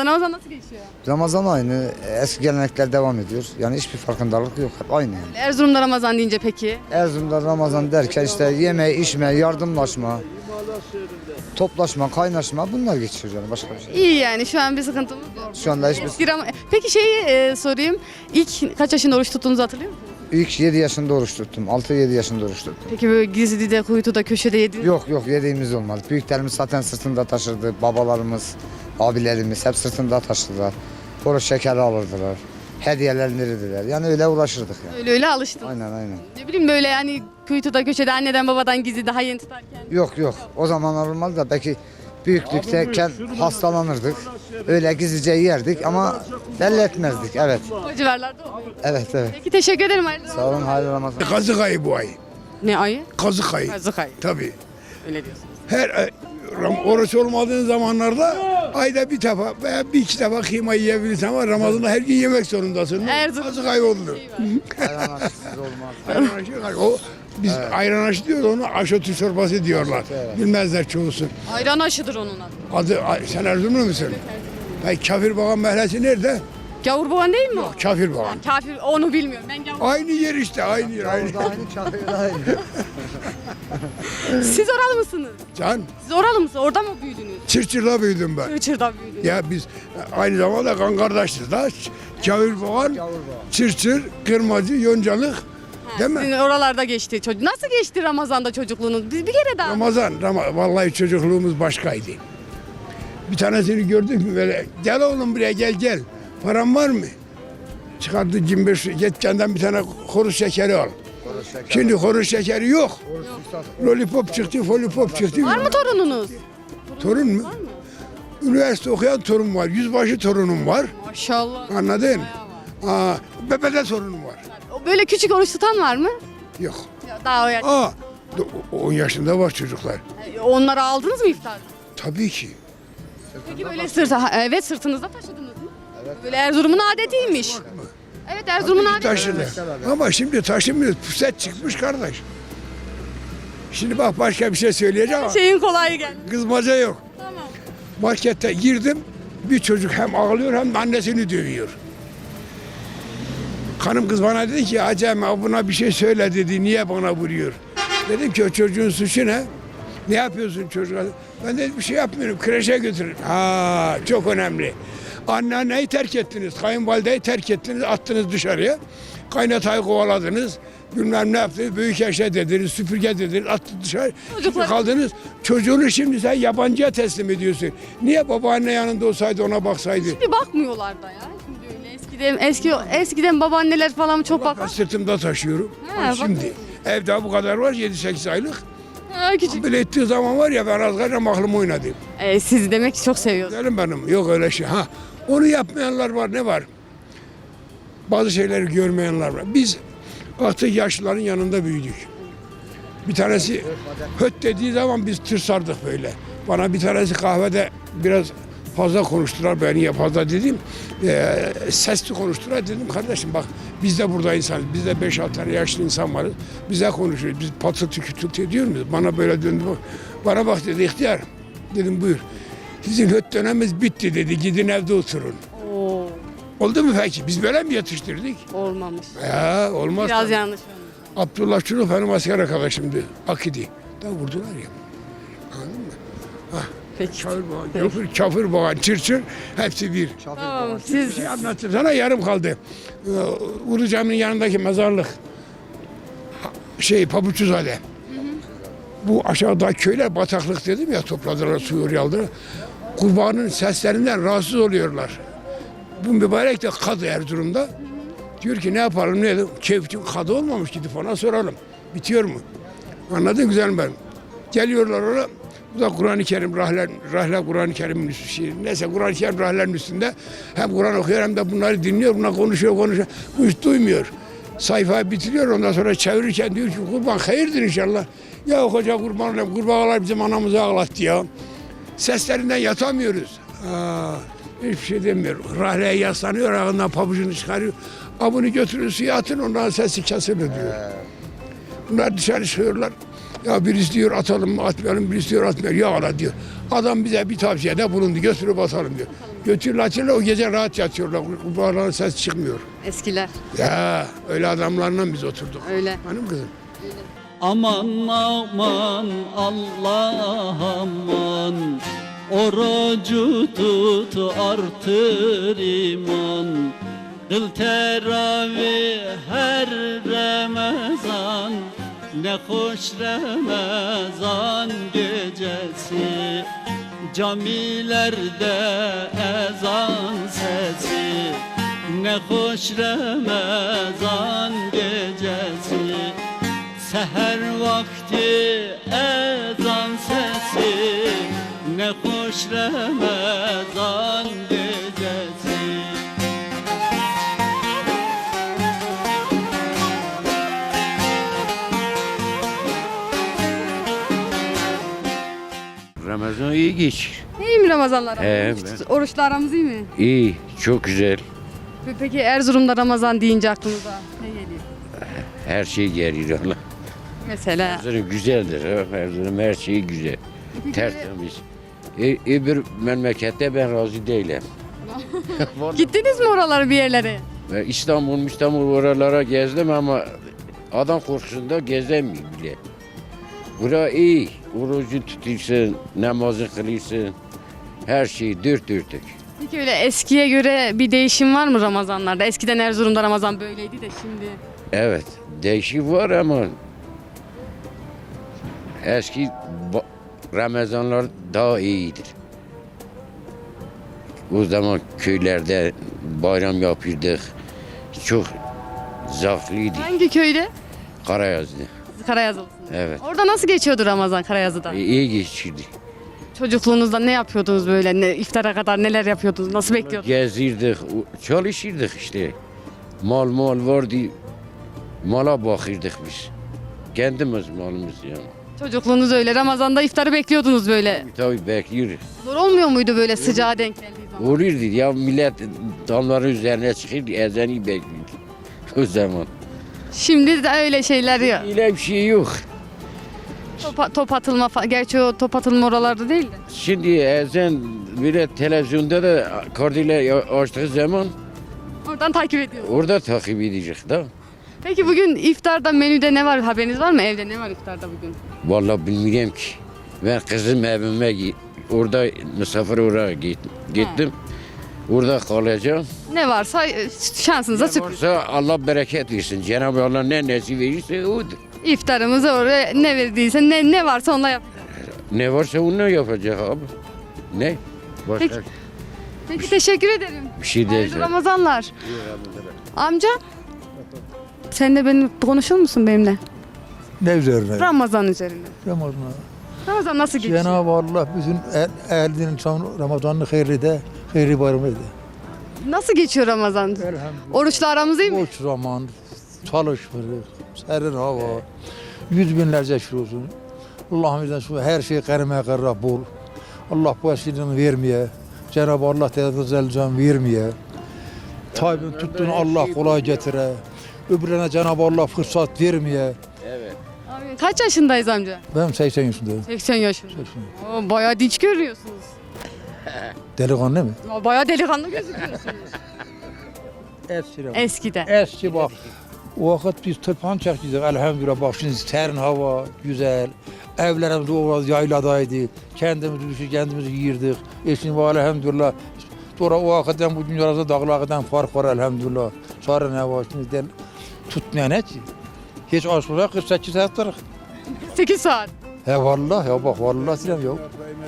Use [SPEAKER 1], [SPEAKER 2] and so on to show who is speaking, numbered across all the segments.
[SPEAKER 1] Ramazan nasıl geçiyor?
[SPEAKER 2] Ramazan aynı, eski gelenekler devam ediyor. Yani hiçbir farkındalık yok, hep aynı yani.
[SPEAKER 1] Erzurum'da Ramazan deyince peki?
[SPEAKER 2] Erzurum'da Ramazan derken işte yeme, içme, yardımlaşma, toplaşma, kaynaşma bunlar geçiyor yani başka bir şey.
[SPEAKER 1] İyi yani şu an bir sıkıntımız yok.
[SPEAKER 2] Şu anda hiçbir...
[SPEAKER 1] Eski Peki sorayım. İlk kaç yaşında oruç tuttuğunuzu hatırlıyor musunuz?
[SPEAKER 2] İlk 7 yaşında oruç tuttum, 6-7 yaşında oruç tuttum.
[SPEAKER 1] Peki böyle gizlide, kuytuda, köşede yediniz?
[SPEAKER 2] Yok yediğimiz olmadı. Büyüklerimiz zaten sırtında taşırdı, babalarımız, abilerimiz hep sırtında taşıdılar. Oruç şekeri alırdılar, hediyeler verirdiler. Yani öyle uğraşırdık yani.
[SPEAKER 1] Öyle alıştın.
[SPEAKER 2] Aynen.
[SPEAKER 1] Ne bileyim böyle yani kuytuda, köşede anneden babadan gizli daha yeni tutarken.
[SPEAKER 2] Yok. O zaman olmadı da belki büyüklükteyken hastalanırdık. Öyle gizlice yerdik ama belli etmezdik. Evet.
[SPEAKER 1] O civarlarda oluyor.
[SPEAKER 2] Evet.
[SPEAKER 1] Peki teşekkür ederim.
[SPEAKER 2] Sağ olun, hayırlı Ramazan.
[SPEAKER 3] Kazık ayı bu ay.
[SPEAKER 1] Ne ayı?
[SPEAKER 3] Kazık ayı.
[SPEAKER 1] Kazık ayı.
[SPEAKER 3] Tabii.
[SPEAKER 1] Öyle diyorsunuz.
[SPEAKER 3] Her oruç olmadığın zamanlarda ayda bir defa veya bir iki defa kıyma yiyebilirsin ama Ramazan'da her gün yemek zorundasın.
[SPEAKER 1] Erzurum.
[SPEAKER 3] Kazık ayı oluyor.
[SPEAKER 2] Ayran aşısız olmaz.
[SPEAKER 3] Ayran aşı, o biz ayran aşı diyoruz, onu aşotu çorbası diyorlar. Bilmezler çoğusu.
[SPEAKER 1] Ayran aşıdır onun adı.
[SPEAKER 3] Sen Erzurumlu musun? Peki Kafir Bakan Mahallesi nerede?
[SPEAKER 1] Gavurboğan değil mi o?
[SPEAKER 3] Kafir Bakan.
[SPEAKER 1] Kafir onu bilmiyorum. Ben gavur.
[SPEAKER 3] Aynı yer işte, aynı yer. Aynı.
[SPEAKER 2] Aynı çakır aynı.
[SPEAKER 1] Siz oralı mısınız?
[SPEAKER 3] Can,
[SPEAKER 1] Siz oralı mısınız? Orada mı büyüdünüz?
[SPEAKER 3] Çırçır'da büyüdüm ben.
[SPEAKER 1] Çırçır'da büyüdünüz.
[SPEAKER 3] Ya biz aynı zamanda kan kardeşiz da. Kavir Boğan, Çırçır, Kırmacı, Yoncalık. Değil mi?
[SPEAKER 1] Sizin oralarda geçti çocuk. Nasıl geçti Ramazan'da çocukluğunuz? Biz bir kere daha.
[SPEAKER 3] Vallahi çocukluğumuz başkaydı. Bir tanesini gördük mü böyle, gel oğlum buraya gel. Paran var mı? Çıkardı 25, yetkenden bir tane kuru şekeri al. Şimdi kuru şekeri yok. Lollipop çıktı, folipop çıktı.
[SPEAKER 1] Var mı torununuz?
[SPEAKER 3] Torun mu? Üniversite okuyan torun var, yüzbaşı torunum var.
[SPEAKER 1] Maşallah.
[SPEAKER 3] Anladın? Bebede torunum var.
[SPEAKER 1] Böyle küçük oruç tutan var mı?
[SPEAKER 3] Yok.
[SPEAKER 1] Daha o yaş.
[SPEAKER 3] 10 yaşında var çocuklar.
[SPEAKER 1] Onları aldınız mı iftarda?
[SPEAKER 3] Tabii ki.
[SPEAKER 1] Peki böyle evet sırtınızda taşıdınız mı? Evet. Böyle Erzurum'un adetiymiş. Evet Erzurum'un adeti.
[SPEAKER 3] Taşıdı. Ama şimdi taşımıyoruz. Puset çıkmış kardeş. Şimdi bak başka bir şey söyleyeceğim ama
[SPEAKER 1] Şeyin kolayı geldi.
[SPEAKER 3] kızmaca yok.
[SPEAKER 1] Tamam.
[SPEAKER 3] Markette girdim. Bir çocuk hem ağlıyor hem de annesini dövüyor. Hanım kız bana dedi ki Acem buna bir şey söyle dedi. Niye bana vuruyor? Dedim ki o çocuğun suçu ne? Ne yapıyorsun çocuğa? Ben dedim bir şey yapmıyorum. Kreşe götürün. Çok önemli. Anneanneyi terk ettiniz. Kayınvalideyi terk ettiniz. Attınız dışarıya. Kaynatayı kovaladınız. Bilmem ne yaptınız. Büyük eşe dediniz. Süpürge dediniz. Attınız dışarı. Şimdi kaldınız. Çocuğunu şimdi sen yabancıya teslim ediyorsun. Niye babaanne yanında olsaydı ona baksaydı?
[SPEAKER 1] Şimdi bakmıyorlar da ya. Şimdi öyle eskiden babaanneler falan çok
[SPEAKER 3] Ben
[SPEAKER 1] bakar.
[SPEAKER 3] sırtımda taşıyorum.
[SPEAKER 1] He,
[SPEAKER 3] Şimdi evde bu kadar var 7-8 aylık.
[SPEAKER 1] Küçük.
[SPEAKER 3] Böyle ettiği zaman var ya ben az kadar aklımı oynadım.
[SPEAKER 1] Siz demek ki çok seviyorsunuz.
[SPEAKER 3] Derim benim yok öyle şey. Onu yapmayanlar var ne var? Bazı şeyleri görmeyenler var. Biz artık yaşlıların yanında büyüdük. Bir tanesi höt dediği zaman biz tırsardık böyle. Bana bir tanesi kahvede biraz fazla konuştular. Ben niye fazla dedim. Sesli konuştular. Dedim kardeşim bak biz de burada insanız. Biz de 5-6 tane yaşlı insan varız. Bize konuşuyoruz. Biz patırtı kütürtü ediyor muyuz? Bana böyle döndü. Bana bak dedi ihtiyar. Dedim buyur. Sizin höt dönemimiz bitti dedi. Gidin evde oturun.
[SPEAKER 1] Oo,
[SPEAKER 3] Oldu mu peki? Biz böyle mi yetiştirdik?
[SPEAKER 1] olmamış.
[SPEAKER 3] Ya olmaz.
[SPEAKER 1] Biraz yanlış olmuş.
[SPEAKER 3] Abdullah Çuluk benim asker arkadaşımdı. Akidi. Da vurdular ya. Anladın mı?
[SPEAKER 1] Peki.
[SPEAKER 3] Kafir Boğan, Çırçır hepsi bir.
[SPEAKER 1] Tamam, siz
[SPEAKER 3] Bir şey anlattım sana yarım kaldı. Ulu Cami'nin yanındaki mezarlık. Pabuçuzade. Bu aşağıda köyler bataklık dedim ya topladılar suyu oraya aldılar. Kurbanın seslerinden rahatsız oluyorlar. Bu mübarek de kadı Erzurum'da. Diyor ki ne yapalım ne edelim? Keyfim kadı olmamış gidip ona soralım. Bitiyor mu? Anladın güzel ben. Geliyorlar oraya. Bu da Kur'an-ı Kerim, Rahle Kur'an-ı Kerim'in üstü. Neyse Kur'an-ı Kerim Rahle'nin üstünde. Hem Kur'an okuyor hem de bunları dinliyor. Bunlar konuşuyor. Bu hiç duymuyor. Sayfayı bitiriyor ondan sonra çevirirken diyor ki kurban hayırdır inşallah. Ya hoca kurban olayım. Kurbağalar bizim anamızı ağlattı ya. Seslerinden yatamıyoruz. Hiçbir şey demiyor. Rahle'ye yaslanıyor, ağından pabucunu çıkarıyor. Bunu götürün suya atın, ondan sesi kesilir diyor. Bunlar dışarı çıkıyorlar. Ya birisi diyor atalım mı atmayalım, birisi diyor atmayalım. Ya Allah diyor. Adam bize bir tavsiyede bulundu, götürüp atalım diyor. Götürüyorlar açıyorlar o gece rahat yatıyorlar. Kurbağaların ses çıkmıyor.
[SPEAKER 1] Eskiler.
[SPEAKER 3] Ya öyle adamlarla biz oturduk.
[SPEAKER 1] Öyle.
[SPEAKER 3] Hanım kızım.
[SPEAKER 4] Aman aman Allah aman, orucu tut artır iman. Kıl teravih her Ramazan, ne hoş Ramazan gecesi. Camilerde ezan sesi, ne hoş Ramazan gecesi. Seher vakti ezan sesi, ne hoş Ramazan gecesi.
[SPEAKER 5] Ramazan iyi geç.
[SPEAKER 1] İyi mi Ramazanlar?
[SPEAKER 5] He,
[SPEAKER 1] Oruçla aramız iyi mi?
[SPEAKER 5] İyi, çok güzel.
[SPEAKER 1] Peki Erzurum'da Ramazan deyince aklınıza ne geliyor?
[SPEAKER 5] Her şey geliyor Allah.
[SPEAKER 1] Mesela.
[SPEAKER 5] Erzurum güzeldir. Ha. Erzurum her şeyi güzel. Tertemiz. Öbür memlekette ben razı değilim.
[SPEAKER 1] Gittiniz mi oralara bir yerlere?
[SPEAKER 5] İstanbul oralara gezdim ama adam korkusunda gezemiyor bile. Bura iyi. Orucu tutuyorsun, namazı kılıyorsun. Her şey dört dörtlük.
[SPEAKER 1] Peki öyle eskiye göre bir değişim var mı Ramazanlarda? Eskiden Erzurum'da Ramazan böyleydi de şimdi.
[SPEAKER 5] Evet, değişik var ama eski Ramazanlar daha iyidir. O zaman köylerde bayram yapıyorduk. Çok zevkliydi.
[SPEAKER 1] Hangi köyde?
[SPEAKER 5] Karayazdı.
[SPEAKER 1] Karayazılısınız.
[SPEAKER 5] Evet.
[SPEAKER 1] Orada nasıl geçiyordu Ramazan Karayazı'da?
[SPEAKER 5] İyi geçirdi.
[SPEAKER 1] Çocukluğunuzda ne yapıyordunuz böyle? İftara kadar neler yapıyordunuz? Nasıl bekliyordunuz?
[SPEAKER 5] Gezirdik, çalışırdık işte. Mal vardı. Mala bakırdık biz. Kendimiz malımız yani.
[SPEAKER 1] Çocukluğunuz öyle. Ramazan'da iftarı bekliyordunuz böyle.
[SPEAKER 5] Tabii bekliyoruz.
[SPEAKER 1] Zor olmuyor muydu böyle sıcağa denk geldiği zaman?
[SPEAKER 5] Olurdu ya millet damların üzerine çıkırdı, ezanı bekliyordu. O zaman.
[SPEAKER 1] Şimdi de öyle şeyler yok.
[SPEAKER 5] Öyle bir şey yok.
[SPEAKER 1] Top atılma falan. Gerçi o top atılma oralarda değil de.
[SPEAKER 5] Şimdi ezan böyle televizyonda da kardiler açtığı zaman
[SPEAKER 1] Oradan takip ediyoruz.
[SPEAKER 5] orada takip edecek da.
[SPEAKER 1] Peki bugün iftarda menüde ne var? Haberiniz var mı? Evde ne var iftarda bugün?
[SPEAKER 5] Vallahi bilmiyorum ki. Ben kızım evime orada misafir oraya gittim. Orada kalacağım.
[SPEAKER 1] Ne varsa şansınıza sürpriz.
[SPEAKER 5] Varsa Allah bereket versin. Cenab-ı Allah ne nasip verirse odur.
[SPEAKER 1] İftarımızı oraya ne verdiyse ne varsa onunla yapacağız.
[SPEAKER 5] Ne varsa onu yapacak abi. Ne? Başka
[SPEAKER 1] Peki. Peki teşekkür ederim.
[SPEAKER 5] bir şey
[SPEAKER 1] Hayırlı
[SPEAKER 5] değil.
[SPEAKER 1] Ramazanlar. Amca sen de benim konuşur musun benimle?
[SPEAKER 6] Ne üzerine?
[SPEAKER 1] Ramazan üzerine.
[SPEAKER 6] Ramazan.
[SPEAKER 1] Ramazan nasıl geçiyor?
[SPEAKER 6] Cenab-ı Allah bütün ehlinin Ramazan'ını hayırlı bayramı ede.
[SPEAKER 1] Nasıl geçiyor Ramazan?
[SPEAKER 6] Elhamdülillah.
[SPEAKER 1] Oruçla aramız iyi mi?
[SPEAKER 6] Boş zaman, çalışmırıq, serin hava, yüz binlerce şükür olsun. Allah'ımızdan şu her şey karime karra bol. Allah bu eşliğini vermeye, Cenab-ı Allah Teala can vermeye. Tayyip'in tuttuğunu Allah kolay getire. Öbürlerine Cenab-ı Allah fırsat vermeye.
[SPEAKER 5] Evet.
[SPEAKER 1] Abi, kaç yaşındayız amca?
[SPEAKER 6] Ben 80 yaşındayım.
[SPEAKER 1] 80 yaşında. Oo, bayağı dinç görünüyorsunuz.
[SPEAKER 6] Delikanlı mı?
[SPEAKER 1] Bayağı delikanlı gözüküyorsunuz.
[SPEAKER 6] Eskiden.
[SPEAKER 1] Eskiden.
[SPEAKER 6] Eski bak. O vakit biz tırpan çekiyorduk elhamdülillah. Bak şimdi serin hava, güzel. Evlerimiz o vakit yayladaydı. Kendimiz düşür, kendimiz yiyirdik. Şimdi var elhamdülillah. Sonra o vakitten bugün arasında dağlardan fark var elhamdülillah. Sonra ne var şimdi del tutmayan ne ki? Hiç açmıyor 48 saat var.
[SPEAKER 1] 8 saat.
[SPEAKER 6] He vallahi ya bak vallahi silem yok.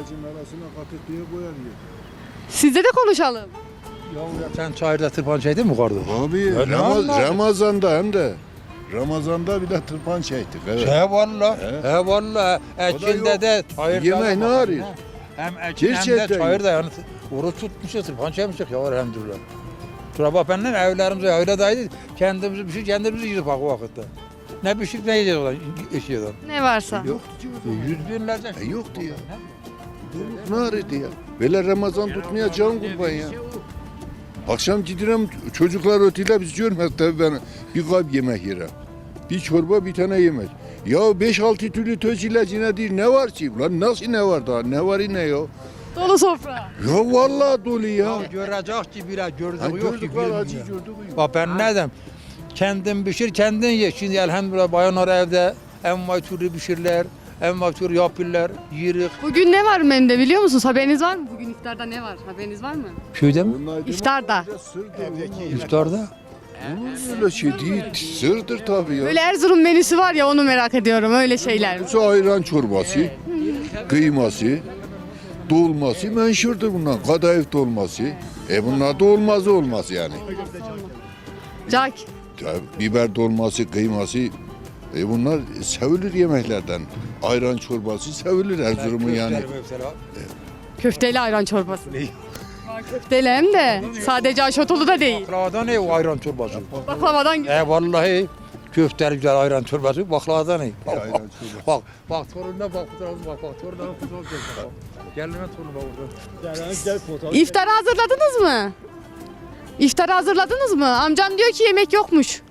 [SPEAKER 1] Sizle de konuşalım.
[SPEAKER 6] Sen çayırda tırpan çektin mi kardeş?
[SPEAKER 7] Abi
[SPEAKER 6] Ya ne anladın?
[SPEAKER 7] Ramazan'da hem de Ramazan'da bir de tırpan çektik. Evet.
[SPEAKER 6] He vallahi.
[SPEAKER 7] He.
[SPEAKER 6] He vallahi. Ekinde de çayırda.
[SPEAKER 7] Yemek ne
[SPEAKER 6] da bak,
[SPEAKER 7] arıyor?
[SPEAKER 6] Hem ekin hem de
[SPEAKER 7] Gerçekten.
[SPEAKER 6] çayırda yani oruç tutmuşuz, tırpan çekmişik ya elhamdülillah. Sonra bak benimle evlerimize yayladaydı. Kendimizi bir şey kendimizi yedik bak o vakitte. Ne bir şey ne yiyeceğiz oradan eşyadan.
[SPEAKER 1] Ne varsa.
[SPEAKER 7] Yok.
[SPEAKER 6] Yüz binlerce.
[SPEAKER 7] Yoktu ya. Ne arıyordu ya? Böyle Ramazan tutmaya can kurban ya. Akşam gidiyorum çocuklar ötüyle biz görmez tabii ben bir kap yemek yerim. Bir çorba bir tane yemek. Ya 5-6 türlü töz ilacına değil ne var ki? Lan nasıl ne var daha? Ne var ne yok?
[SPEAKER 1] Dolu sofra.
[SPEAKER 7] Ya vallahi dolu ya.
[SPEAKER 6] Görecek ki bile
[SPEAKER 7] Ha,
[SPEAKER 6] gördüğü yok ki.
[SPEAKER 7] gördük var acı
[SPEAKER 6] bilmiyor.
[SPEAKER 7] gördük.
[SPEAKER 6] Bak ben ne dedim? Kendin pişir, kendin ye. Şimdi elhamdülillah bayanlar evde envai türlü pişirler, envai türlü yapırlar, yirik.
[SPEAKER 1] Bugün ne var menüde biliyor musunuz? Haberiniz var mı? Bugün iftarda ne var? Haberiniz var mı?
[SPEAKER 6] Köyde mi?
[SPEAKER 1] İftarda.
[SPEAKER 6] İftarda.
[SPEAKER 7] Öyle şey değil. Sırdır tabii ya.
[SPEAKER 1] Böyle Erzurum menüsü var ya onu merak ediyorum. Öyle şeyler.
[SPEAKER 7] Su ayran çorbası, kıyması, dolması menşurdur bunlar. Kadayıf dolması. Bunlar da olmaz yani.
[SPEAKER 1] Cak.
[SPEAKER 7] Ya, biber dolması, kıyması. Bunlar sevilir yemeklerden. Ayran çorbası sevilir Erzurum'un yani.
[SPEAKER 1] Köfteli ayran çorbası. Var köfteli hem de. Sadece aşotolu da değil.
[SPEAKER 6] Baklavadan ne o ayran çorbası?
[SPEAKER 1] Baklavadan güzel.
[SPEAKER 6] Vallahi köfteli güzel ayran çorbası, baklavadan ne?
[SPEAKER 7] Ayran çorbası.
[SPEAKER 6] Bak torununa bak, bak torununa fotoğraf çek. Geline torunu bak orada.
[SPEAKER 1] İftarı hazırladınız mı? İftarı hazırladınız mı? Amcam diyor ki yemek yokmuş.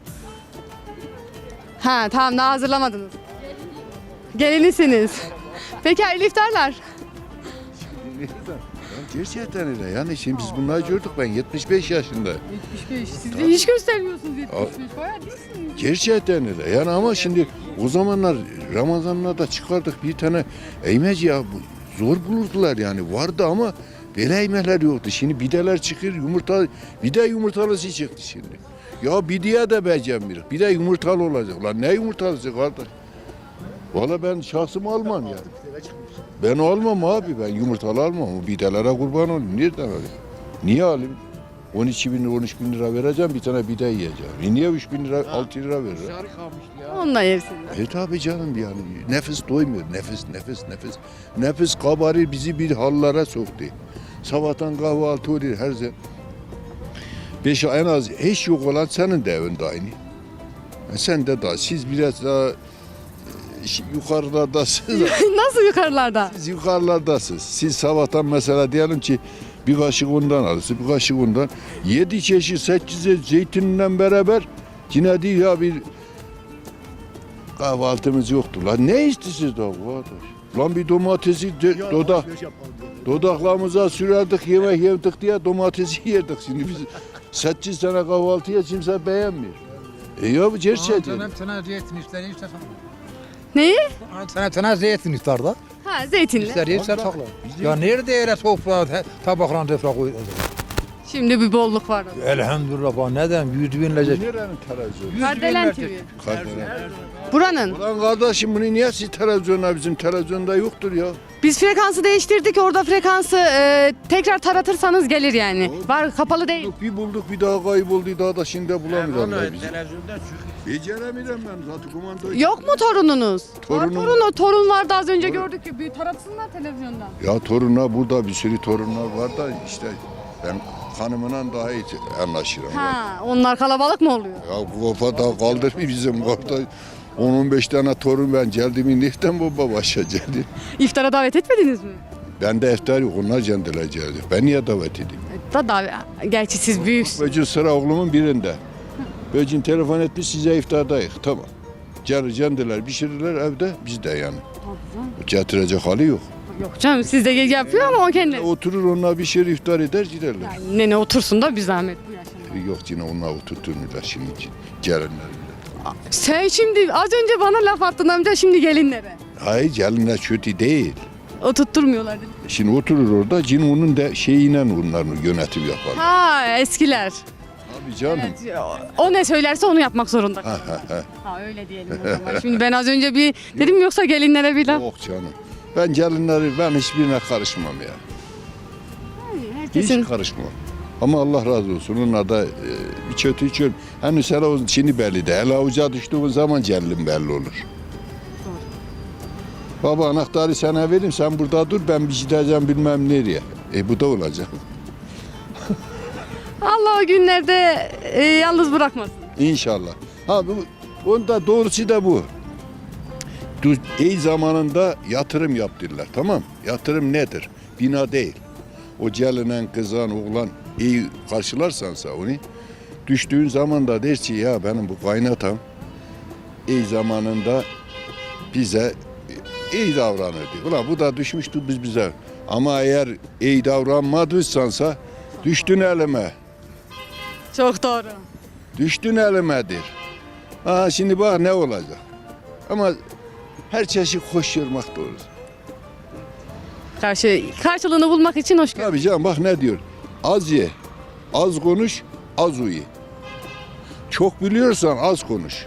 [SPEAKER 1] Ha tamam daha hazırlamadınız. Gelinisiniz. Peki hayırlı iftarlar.
[SPEAKER 7] Gerçekten öyle. Yani şimdi biz bunları gördük, ben 75 yaşında.
[SPEAKER 1] 75. Siz de hiç göstermiyorsunuz 75. Bayağı değilsiniz.
[SPEAKER 7] Gerçekten öyle. Yani ama şimdi o zamanlar Ramazanlarda çıkardık bir tane eymeci ya, zor bulurdular yani, vardı ama böyle eymekler yoktu. Şimdi bideler çıkıyor, yumurta, bide yumurtalısı çıktı şimdi. Ya bideye de becermiyoruz. Bir de yumurtalı olacak. Lan ne yumurtalısı kardeş? Valla ben şahsım almam ya. Ben almam abi, ben yumurtalı almam. O bidelere kurban olayım. Nereden alayım? Niye alayım? 12 bin lira, 13 bin lira vereceğim, bir tane bide yiyeceğim. Niye 3 bin lira, 6 lira veririm?
[SPEAKER 1] Onunla yersiniz.
[SPEAKER 7] Tabi canım yani. Nefes doymuyor. Nefes. Nefes kabarır, bizi bir hallara soktu. Sabahtan kahvaltı oluyor her zaman. Beş en az hiç yok olan senin de evinde aynı. Sen de daha, siz biraz daha yukarılardasınız.
[SPEAKER 1] Nasıl yukarılarda?
[SPEAKER 7] Siz yukarılardasınız. Siz sabahtan mesela diyelim ki bir kaşık ondan alırsın, bir kaşık ondan. 7 çeşit 8 zeytinle beraber yine değil ya, bir kahvaltımız yoktu. Lan ne istiyorsunuz da kardeş? Lan bir domatesi dodaklarımıza sürerdik, yemek yedik diye domatesi yerdik. Şimdi biz 8 tane kahvaltıya kimse beğenmiyor. Ya bu gerçekten.
[SPEAKER 6] Sana zeytin ister,
[SPEAKER 1] Neyi?
[SPEAKER 6] sana zeytin iftarda.
[SPEAKER 1] Ha zeytinli.
[SPEAKER 6] İster sakla. Ya nerede öyle sofra, tabaklarına defra koy.
[SPEAKER 1] Şimdi bir bolluk var.
[SPEAKER 6] Elhamdülillah bak neden 100 binlerce.
[SPEAKER 7] Nerenin televizyonu?
[SPEAKER 1] Kardelen TV.
[SPEAKER 7] Kardelen.
[SPEAKER 1] Buranın.
[SPEAKER 7] Ulan kardeşim bunu niye siz televizyonda, bizim televizyonda yoktur ya.
[SPEAKER 1] Biz frekansı değiştirdik. Orada frekansı tekrar taratırsanız gelir yani. Var kapalı değil.
[SPEAKER 7] Bir bulduk bir daha kayboldu, daha da şimdi bulamıyorlar bizi. Beceremiyorum ben zaten kumandayı.
[SPEAKER 1] Yok mu torununuz?
[SPEAKER 7] Torunum.
[SPEAKER 1] Var torun vardı az önce gördük ki. Bir taratsınlar televizyondan.
[SPEAKER 7] Ya torunlar burada, bir sürü torunlar var da işte ben hanımla daha iyi anlaşırım.
[SPEAKER 1] Ha, onlar kalabalık mı oluyor?
[SPEAKER 7] Ya bu kafa da kaldırmıyor bizim kapta. 10-15 tane torun ben geldim, nereden baba başa geldi?
[SPEAKER 1] İftara davet etmediniz mi?
[SPEAKER 7] Ben de iftar yok, onlar kendileri geldi. Ben niye davet edeyim?
[SPEAKER 1] Gerçi siz büyüksünüz.
[SPEAKER 7] Böcün sıra oğlumun birinde. Böcün telefon etmiş, size iftardayız. Tamam. Gelir kendiler pişirirler evde, biz de yani. Getirecek hali yok.
[SPEAKER 1] Yok canım siz de yapıyor ama o kendi.
[SPEAKER 7] Oturur onlar bir şey iftar eder giderler.
[SPEAKER 1] Yani nene otursun da bir zahmet bu yaşında.
[SPEAKER 7] Yok yine onlar oturturmuyorlar şimdi gelinler.
[SPEAKER 1] Sen şimdi az önce bana laf attın amca şimdi gelinlere.
[SPEAKER 7] Hayır gelinler kötü değil.
[SPEAKER 1] Oturtturmuyorlar dedi.
[SPEAKER 7] Şimdi oturur orada, cin onun da şeyiyle onların yönetim yapar.
[SPEAKER 1] Ha eskiler.
[SPEAKER 7] Abi canım.
[SPEAKER 1] Evet, o ne söylerse onu yapmak zorunda.
[SPEAKER 7] Ha, ha, ha.
[SPEAKER 1] Ha öyle diyelim o zaman. Şimdi ben az önce bir dedim yoksa gelinlere bir laf.
[SPEAKER 7] Yok canım. Ben gelinleri, ben hiçbirine karışmam ya.
[SPEAKER 1] Herkesin
[SPEAKER 7] Hiç karışmam. Ama Allah razı olsun. Onlar da bir kötü içiyorum. Hani sen o şimdi belli de. El avuca düştüğün zaman gelin belli olur. Baba anahtarı sana vereyim, sen burada dur, ben bir gideceğim bilmem nereye. Bu da olacak.
[SPEAKER 1] Allah o günlerde yalnız bırakmasın.
[SPEAKER 7] İnşallah. Ha bu, onda doğrusu da bu. İyi zamanında yatırım yaptırırlar, tamam. Yatırım nedir? Bina değil. O gelinen, kızan, oğlan iyi karşılarsansa onu, düştüğün zaman da der ki ya benim bu kaynatam iyi zamanında bize iyi davranırdı. Ulan bu da düşmüştü biz bize. Ama eğer iyi davranmadıysansa düştün elime.
[SPEAKER 1] Çok doğru.
[SPEAKER 7] Düştün elimedir. Ha şimdi bak ne olacak. Ama her çeşit hoş yormak doğru.
[SPEAKER 1] Karşılığını bulmak için hoşgörü.
[SPEAKER 7] Tabii canım bak ne diyor. Az ye, az konuş, az uyu. Çok biliyorsan az konuş.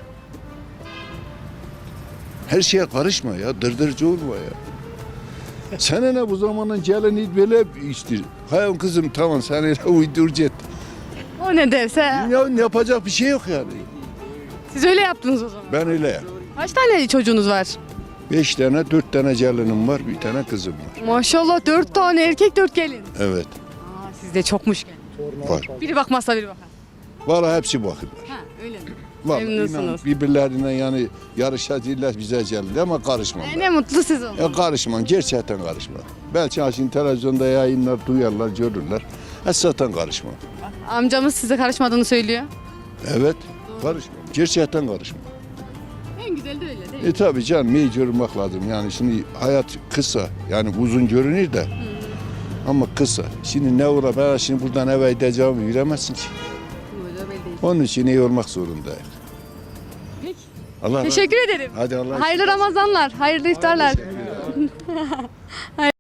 [SPEAKER 7] Her şeye karışma ya, dırdırcı olma ya. Sana ne bu zamanın geleni böyle işte. Hayır kızım tamam sen öyle uyduracaksın.
[SPEAKER 1] O ne derse.
[SPEAKER 7] Ya yapacak bir şey yok yani.
[SPEAKER 1] Siz öyle yaptınız o zaman.
[SPEAKER 7] Ben öyle yap.
[SPEAKER 1] Kaç tane çocuğunuz var?
[SPEAKER 7] 5 tane, 4 tane gelinim var, bir tane kızım var.
[SPEAKER 1] Maşallah 4 tane erkek 4 gelin.
[SPEAKER 7] Evet,
[SPEAKER 1] Sizde çokmuş gelin.
[SPEAKER 7] var.
[SPEAKER 1] Biri bakmazsa biri bakar.
[SPEAKER 7] Vallahi hepsi bakırlar.
[SPEAKER 1] Ha öyle mi?
[SPEAKER 7] Vallahi
[SPEAKER 1] Memnunsunuz.
[SPEAKER 7] inan birbirlerine yani yarışacaklar bize geldi ama karışmam ben.
[SPEAKER 1] Ne mutlu siz olun.
[SPEAKER 7] Ya karışmam, gerçekten karışmam. Belki şimdi televizyonda yayınlar duyarlar, görürler. Zaten karışmam.
[SPEAKER 1] Amcamız size karışmadığını söylüyor.
[SPEAKER 7] Evet, karışmam. Gerçekten karışmam.
[SPEAKER 1] En güzeli de öyle değil mi?
[SPEAKER 7] Tabii canım iyi görmek lazım. Yani şimdi hayat kısa. Yani uzun görünür de. Ama kısa. Şimdi ne uğra ben şimdi buradan eve gideceğimi bilemezsin ki.
[SPEAKER 1] Öyle değil.
[SPEAKER 7] Onun için iyi olmak zorundayız.
[SPEAKER 1] Peki.
[SPEAKER 7] Allah
[SPEAKER 1] Teşekkür ederim.
[SPEAKER 7] Hadi Allah
[SPEAKER 1] Hayırlı Ramazanlar, hayırlı iftarlar.